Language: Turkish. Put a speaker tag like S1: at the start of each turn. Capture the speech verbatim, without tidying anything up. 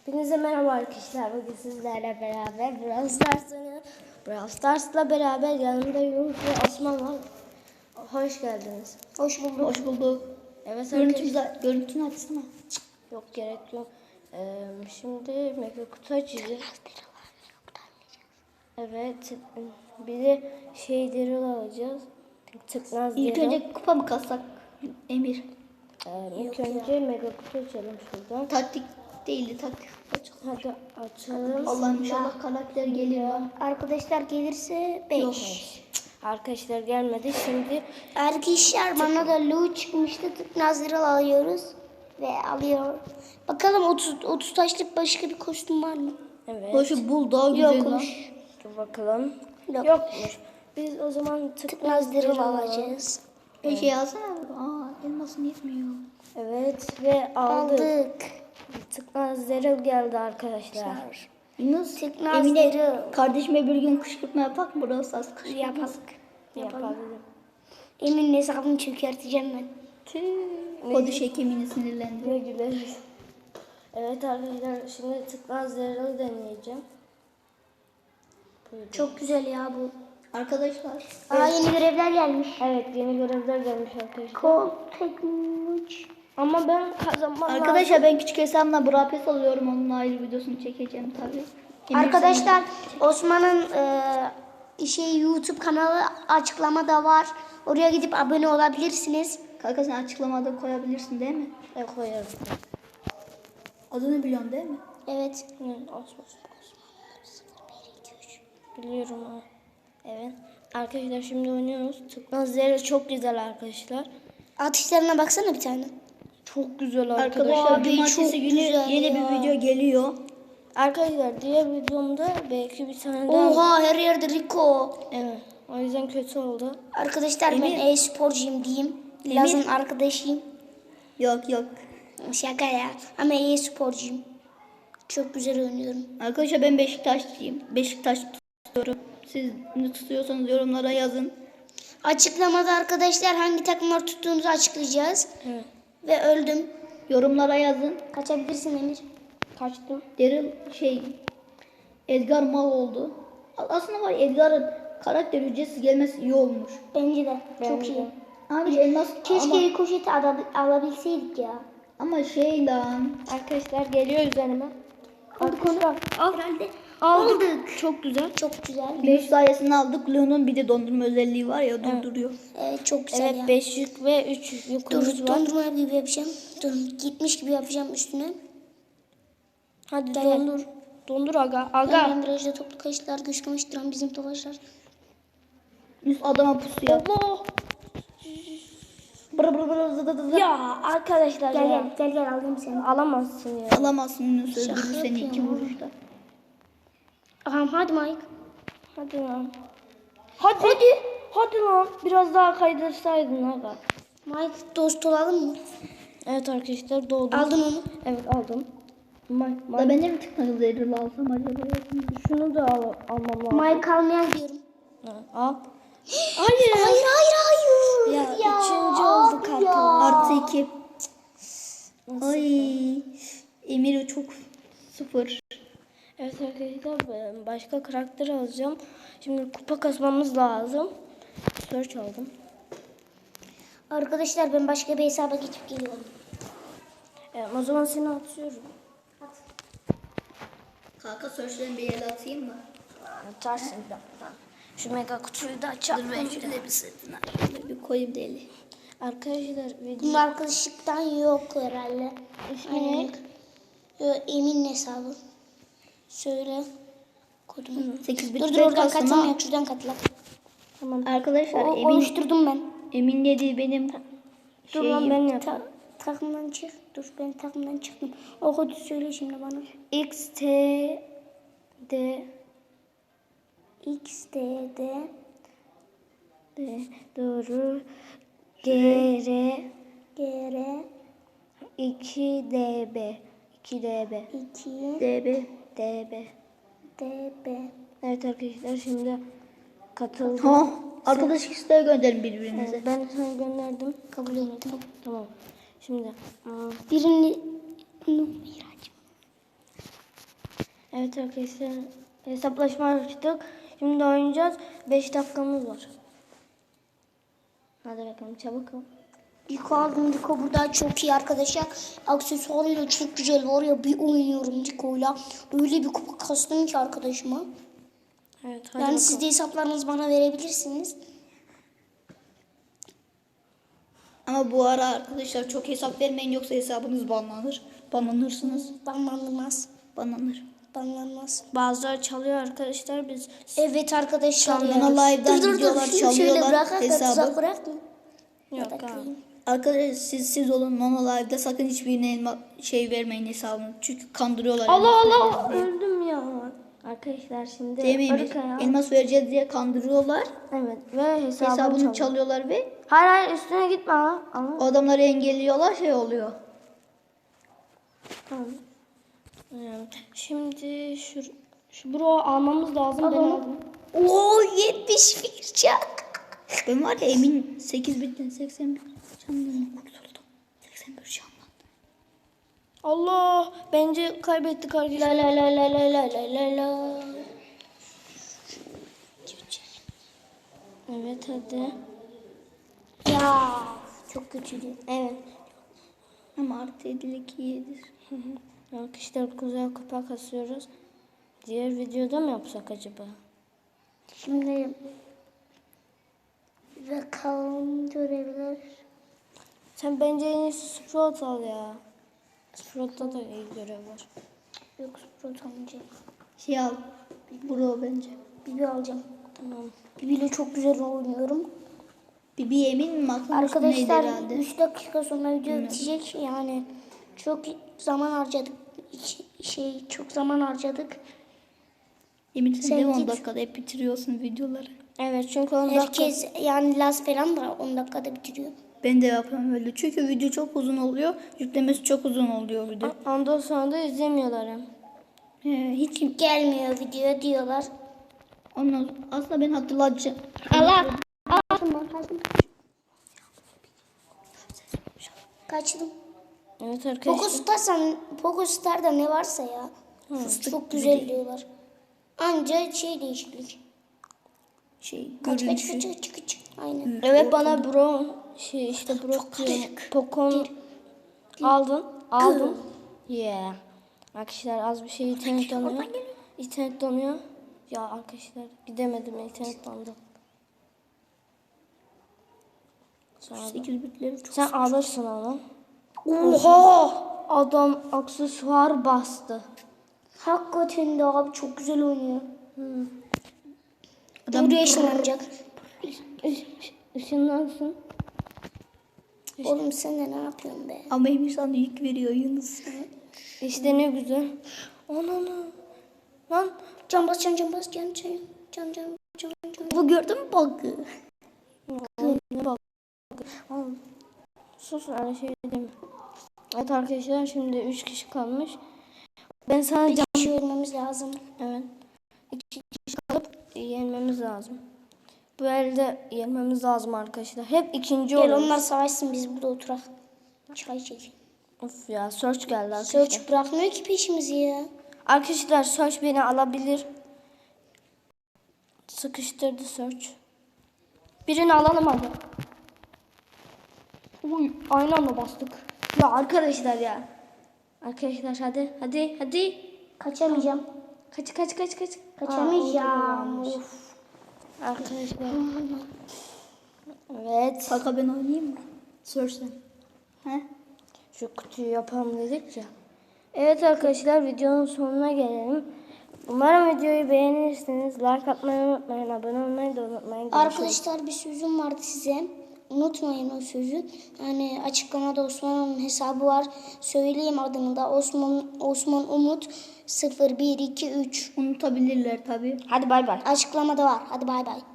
S1: Hepinize merhaba arkadaşlar. Bugün sizlerle beraber Brawl Stars oynuyoruz. Brawl Stars'la beraber yanımda Yunus ve Osman var. Hoş geldiniz.
S2: Hoş bulduk.
S3: Hoş bulduk.
S1: Evet
S3: Görüntünü,
S1: arkadaşlar.
S3: görüntünü açsana.
S1: Yok gerek yok. Ee, şimdi mega kutu açacağız. Evet. Bir de şeyleri alacağız. Tıknaz
S3: İlk
S1: Daryl.
S3: önce kupa mı kassak Emir?
S1: Ee, ilk önce mega kutu açalım şuradan.
S3: Taktik değildi taktik.
S1: Hadi açalım.
S3: Allah'ım inşallah karakter gelir lan.
S2: Arkadaşlar gelirse beş.
S1: Arkadaşlar gelmedi. Şimdi
S2: Arkadaşlar bana da Lu çıkmıştı. Nazırıl alıyoruz. Ve alıyor. Bakalım otuz, otuz taşlık başka bir kostüm var mı?
S1: evet.
S3: Hoşu bul daha güzel lan.
S2: Yokmuş.
S1: Dur bakalım.
S2: Yok.
S1: Yokmuş. Biz o zaman tıknaz
S2: Nazırıl
S1: Daryl
S2: alacağız.
S3: Bir şey alsana. Aa elmasın yetmiyor.
S1: Evet ve aldık.
S2: Aldık.
S1: Tıknaz Daryl geldi arkadaşlar.
S3: Yunus
S2: Tıknaz
S3: Emine
S2: Daryl.
S3: kardeşime bir gün kışkırtma yapak mı? Burası az kışkırtma.
S2: Yapalım.
S1: Yapalım.
S2: Emin hesabını çökerteceğim ben.
S3: Kodu şekemini sinirlendi.
S1: Ne güleriz. Evet arkadaşlar şimdi tıknaz Daryl'ı deneyeceğim. Buyurun.
S2: Çok güzel ya bu.
S3: Arkadaşlar.
S2: Aa yeni görevler gelmiş.
S1: Evet yeni görevler gelmiş arkadaşlar.
S2: Kol tekmuç.
S1: Ama ben kazanmam lazım.
S3: Arkadaşlar ben küçük hesabımla Brapes alıyorum. Onun ayrı videosunu çekeceğim tabii. Emir
S2: Arkadaşlar Osman'ın e, şey YouTube kanalı açıklamada var. Oraya gidip abone olabilirsiniz.
S3: sana- Kanka sen açıklamada koyabilirsin değil mi?
S1: Ben koyarım.
S3: Adını biliyorsun değil mi?
S2: Evet.
S1: Hı, Osman. Biliyorum ha. Evet. Arkadaşlar şimdi oynuyoruz. Tıknaz Daryl çok güzel arkadaşlar.
S2: Atışlarına baksana bir tane.
S1: Çok güzel
S3: Arkadaşlar
S2: Abi,
S3: cumartesi
S2: çok
S3: günü
S2: güzel
S3: yeni
S2: ya.
S3: bir video geliyor.
S1: Arkadaşlar diğer videomda belki bir tane daha.
S2: Oha her yerde Rico.
S1: Evet. O yüzden kötü oldu.
S2: Arkadaşlar ben
S3: Emir.
S2: e-sporcuyum diyeyim. Laz'ın arkadaşıyım.
S3: Yok yok.
S2: Şaka ya. Ama e-sporcuyum. Çok güzel oynuyorum.
S3: Arkadaşlar ben Beşiktaşlıyım. Beşiktaş tutuyorum. Siz ne tutuyorsanız yorumlara yazın.
S2: Açıklamada arkadaşlar hangi takımlar tuttuğumuzu açıklayacağız.
S1: Evet.
S2: Ve öldüm.
S3: Yorumlara yazın.
S2: Kaçabilirsin Emir.
S1: Kaçtım.
S3: Daryl şey Edgar mal oldu. Aslında var ya, Edgar'ın karakter ücretsiz gelmesi iyi olmuş.
S2: Bence de. Çok
S1: Bence
S2: iyi.
S1: de.
S3: Abi elmas
S2: Keşke
S3: ama,
S2: rikoşeti ala- alabilseydik ya.
S3: ama şey lan.
S1: Arkadaşlar geliyor üzerime.
S2: Aldık onu.
S1: Al.
S2: Herhalde.
S1: Aldık. Çok güzel.
S2: Çok güzel.
S3: Yunus sayesinde aldık. Leon'un bir de dondurma özelliği var ya durduruyor.
S2: Evet çok güzel
S1: Evet
S2: ya.
S1: beş yük ve üç yukumuz
S2: Dur
S1: var.
S2: dondurma gibi yapacağım. Dur gitmiş gibi yapacağım üstüne.
S1: Hadi
S2: Gel.
S1: dondur. Dondur aga.
S2: Ben,
S1: Aga.
S2: ben virajda toplu kayışlar güç kımıştıran bizim tofaşlar.
S3: Yunus adama pusu yap.
S1: Allah.
S3: Bır bır bır zı zı zı.
S1: Ya arkadaşlar
S2: Gel
S1: ya.
S2: gel gel gel aldım seni.
S1: Alamazsın ya.
S3: Alamazsın Yunus öldürür
S2: Şaka
S3: seni iki
S2: yapıyorum.
S3: vuruşta.
S2: Aha hadi Mike.
S1: Hadi lan. Hadi. Hadi. Hadi lan. Biraz daha kaydırsaydın aga.
S2: Mike dost olalım mı?
S1: Evet arkadaşlar doğdum.
S2: Aldın onu.
S1: Evet aldım. May,
S3: Da
S1: may.
S3: ben de mi tıknalı Daryl alsam acaba?
S1: Şunu da al, almam lazım.
S2: Mike almayan diyorum.
S1: Ha, al.
S2: Hayır hayır hayır hayır.
S1: Ya, üçüncü olduk
S2: abi ya.
S3: Artı iki. Ay. Emir çok sıfır.
S1: Evet arkadaşlar ben başka karakter alacağım. Şimdi kupa kasmamız lazım. Search aldım.
S2: Arkadaşlar ben başka bir hesaba geçip geliyorum.
S1: Evet, o zaman seni atıyorum.
S3: Kanka search'lerin bir el atayım mı?
S1: Atarsın bir dakika. Şu mega kutuyu da açalım.
S3: Dur ben şöyle bir sırtına şöyle bir koyayım deli.
S1: Arkadaşlar
S2: Bunun
S1: video
S2: arkadaşlıktan yok herhalde.
S1: ismi ne?
S2: Yo, Emin hesabı. Söyle. Kodumu.
S3: sekiz bit
S2: Dur dur
S3: red
S2: oradan
S3: kastım
S2: katılma
S3: ha.
S2: yok şuradan katla.
S1: Tamam.
S3: Arkadaşlar
S2: O,
S3: Emin,
S2: oluşturdum ben.
S3: Emin dediği benim
S1: Dur lan
S3: şeyim.
S1: ben
S2: Ta,
S1: yapayım.
S2: takımdan çık. Dur ben takımdan çıktım. O kodu söyle şimdi bana.
S1: X T D
S2: X D D
S1: D doğru G R
S2: G R
S1: iki D B iki D B
S2: iki
S3: D B.
S1: D B.
S2: D B.
S1: Evet arkadaşlar şimdi katıldım.
S3: Ha, arkadaş isteği gönderin birbirinize.
S1: Evet, ben sana gönderdim.
S2: Kabul ettim.
S1: Tamam. Şimdi aa,
S2: Birini Miraç.
S1: Evet arkadaşlar hesaplaşma açtık. Şimdi oynayacağız. beş dakikamız var. Hadi bakalım çabuk ol.
S2: Rico aldım. Rico burada çok iyi arkadaşlar. Aksesuarıyla çok güzel var ya, bir oynuyorum Rico'yla. Öyle bir kupa kastım ki arkadaşıma.
S1: Evet hadi
S2: Yani
S1: bakalım.
S2: siz de hesaplarınızı bana verebilirsiniz.
S3: Ama bu ara arkadaşlar çok hesap vermeyin yoksa hesabınız banlanır. Banlanırsınız.
S2: Banlanmaz.
S3: Banlanır.
S2: Banlanmaz.
S1: Bazıları çalıyor arkadaşlar biz.
S2: Evet arkadaşlar.
S3: Şu an
S2: ya.
S3: Nona Live'dan
S2: Dur, dur, dur.
S3: videolar
S2: Şunu
S3: çalıyorlar,
S2: Şöyle bırak,
S3: hesabı.
S2: hesabı. Bırak mı?
S1: Yok
S2: Bırak
S1: abi.
S2: mı?
S3: Arkadaşlar siz siz olun Nona Live'da sakın hiçbirine elma, şey vermeyin hesabını. Çünkü kandırıyorlar.
S1: Allah
S3: elmas
S1: Allah
S3: vereceğiz diye.
S1: öldüm ya. Arkadaşlar şimdi
S3: Değil mi Emir?
S1: arkaya-
S3: Elmas vereceğiz diye kandırıyorlar.
S1: Evet ve hesabını,
S3: Hesabını
S1: çalıyor.
S3: çalıyorlar ve
S1: Hayır hayır üstüne gitme ha. Ama
S3: o adamları engelliyorlar, şey oluyor.
S1: tamam. Yani şimdi şu şu bro almamız lazım. Ben aldım.
S2: Oo yetmiş bir can.
S3: Ben var ya emin sekiz bitten seksen bir candan kurtuldum. seksen bir candan.
S1: Allah bence kaybettik
S2: La
S1: arkadaşlar.
S2: la la la la la la la la.
S1: Evet hadi.
S2: Ya çok kötüydü.
S1: Evet.
S3: Ama artı yedilik iyidir.
S1: Arkadaşlar güzel kupa kasıyoruz. Diğer videoda mı yapsak acaba?
S2: Şimdi bakalım görevler.
S1: Sen bence en iyisi Sprout al ya. Sprout'ta da iyi görev var.
S2: Yok Sprout almayacağım.
S3: Şey al. Bro bence.
S2: Bibi alacağım.
S1: Tamam.
S2: Bibi ile çok güzel oynuyorum.
S3: Bibi emin mi? Aklım üstündeydi
S2: Arkadaşlar
S3: herhalde.
S2: üç dakika sonra video bitecek. Yani çok zaman harcadık. İç- Şey çok zaman harcadık.
S3: Emin sen
S2: Sen
S3: de on
S2: git.
S3: dakikada hep bitiriyorsun videoları.
S1: Evet çünkü on dakika.
S2: Herkes yani Laz falan da on dakikada bitiriyor.
S3: Ben de yapıyorum öyle. Çünkü video çok uzun oluyor. Yüklemesi çok uzun oluyor video.
S1: Ondan sonra da izlemiyorlar hem.
S3: He, hiç kim...
S2: Gelmiyor video diyorlar.
S3: Ondan aslında ben hatırlatacağım.
S2: Allah. Allah. Kaçtım.
S1: Evet arkadaşlar.
S2: Poco Stars'tan, Poco Star'da ne varsa ya. Çok güzel diyorlar. Anca şey değişiklik.
S3: Şey,
S2: Kaç kaç
S3: görünüşü.
S2: kaç kaç kaç. Aynen.
S1: Evet bana bro şey işte bro diyorum. Pokon aldın. Aldın. Yeah. Arkadaşlar az bir şey internet donuyor. İnternet donuyor. Ya arkadaşlar gidemedim internet dondu. Sonra-
S3: sekiz bitleri çok.
S1: Sen alırsın onu. Oha! Adam aksesuar bastı.
S2: Hakikaten de abi çok güzel oynuyor.
S3: Adam
S2: Buraya ışınlanacak.
S1: Işınlansın.
S2: Oğlum sen de ne yapıyorsun be?
S3: ama Emir sana yük veriyor Yunus.
S1: İşte ne güzel. Ananı. Lan
S2: Can bas can can bas can can can can can can.
S3: Bu gördün mü bug'ı?
S1: ne bak. Oğlum, sus öyle şey deme. Evet arkadaşlar şimdi üç kişi kalmış. Ben sana
S2: Bir
S1: can...
S2: kişi ölmemiz lazım.
S1: Evet. İki kişi kalıp yenmemiz lazım. Bu elde yenmemiz lazım arkadaşlar. Hep ikinci
S2: Gel
S1: oluyoruz.
S2: onlar savaşsın biz burada oturak. Çay çekin.
S1: Of ya search geldi arkadaşlar.
S2: Search bırakmıyor ki peşimizi ya.
S1: Arkadaşlar search beni alabilir. Sıkıştırdı search. Birini alalım hadi. Uy, aynı anda bastık. Ya arkadaşlar ya. Arkadaşlar hadi hadi hadi.
S2: Kaçamayacağım.
S1: Kaç kaç kaç kaç.
S2: Kaçamayacağım.
S1: Aa, orada da varmış.
S2: Of.
S1: Arkadaşlar. Evet.
S3: Kaka ben oynayayım mı? Sorsan. He?
S1: Şu kutuyu yapalım dedik ya. Evet arkadaşlar videonun sonuna gelelim. Umarım videoyu beğenirsiniz. Like atmayı unutmayın. Abone olmayı da unutmayın. Görüşürüz.
S2: Arkadaşlar bir sözüm vardı size. Unutmayın o sözü. Yani açıklamada Osman'ın hesabı var. Söyleyeyim adını da. Osman Osman Umut sıfır bir iki üç.
S3: Unutabilirler tabii.
S1: Hadi bay bay.
S2: Açıklamada var. Hadi bay bay.